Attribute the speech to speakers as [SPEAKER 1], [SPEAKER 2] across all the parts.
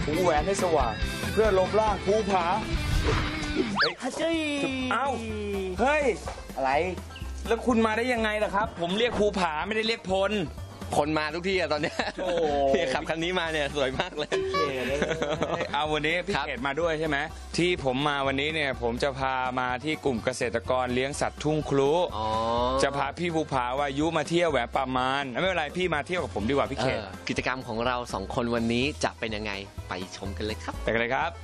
[SPEAKER 1] หูแหวนให้สว่างเพื่อลบล้างภูผา
[SPEAKER 2] ฮัจจี้
[SPEAKER 1] เอ้าเฮ้ยอะไรแล้วคุณมาได้ยังไงล่ะครับผมเรียกภูผาไม่ได้เรียกพล
[SPEAKER 3] คนมาทุกที่อะตอนเนี้ยโอ้ขับคันนี้มาเนี่ยสวยมากเลย
[SPEAKER 1] เอาวันนี้พี่เขตมาด้วยใช่ไหมที่ผมมาวันนี้เนี่ยผมจะพามาที่กลุ่มเกษตรกรเลี้ยงสัตว์ทุ่งครุจะพาพี่ภูผาวายุมาเที่ยวแหวะประมาณไม่เป็นไรพี่มาเที่ยวกับผมดีกว่าพี่เขต
[SPEAKER 3] กิจกรรมของเรา2 คนวันนี้จะเป็นยังไงไปชมกันเลยครับ
[SPEAKER 1] ไปกันเลยครับ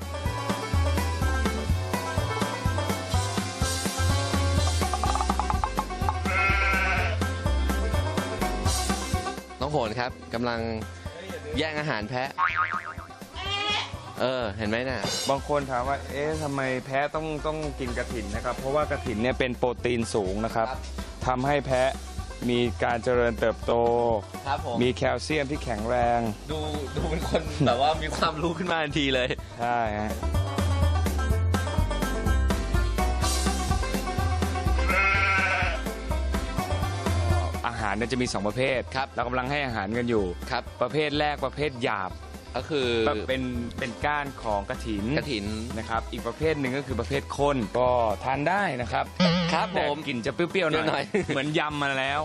[SPEAKER 3] น้องโหนครับกำลังแย่งอาหารแพะเห็นไหมน่ะ
[SPEAKER 1] บางคนถามว่าทำไมแพะต้องกินกระถินนะครับเพราะว่ากระถินเนี่ยเป็นโปรตีนสูงนะครับทำให้แพะมีการเจริญเติบโตมีแคลเซียมที่แข็งแรง
[SPEAKER 3] ดูเป็นคนแบบว่ามีความรู้ขึ้นมาทันทีเลย
[SPEAKER 1] ใช่ฮะอาหารเนี่ยจะมี2ประเภทครับเรากำลังให้อาหารกันอยู่ครับประเภทแรกประเภทหยาบ
[SPEAKER 3] ก็คือ
[SPEAKER 1] เป็นก้านของกระถินนะครับอีกประเภทหนึ่งก็คือประเภทข้นก็ทานได้นะครับ
[SPEAKER 3] ครับผม
[SPEAKER 1] กลิ่นจะเปรี้ยวๆหน่อยเหมือนยำมาแล้ว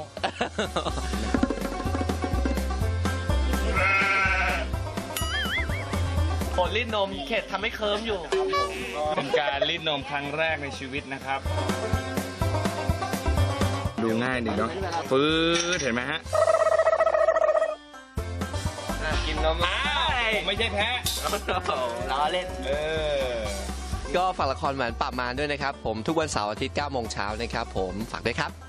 [SPEAKER 2] ผลลิ้นนมเขตทำให้เคิร์มอยู่
[SPEAKER 1] เป็นการลิ้นนมครั้งแรกในชีวิตนะครับดูง่ายดีเนาะฟื้นเห็นไหมฮะ
[SPEAKER 3] กินนม
[SPEAKER 1] ไม่ใช่แพ้
[SPEAKER 2] ล้อเล่น
[SPEAKER 3] ก็ฝากละครหวานปราบมารด้วยนะครับผมทุกวันเสาร์อาทิตย์ 9 โมงเช้านะครับผมฝากด้วยครับ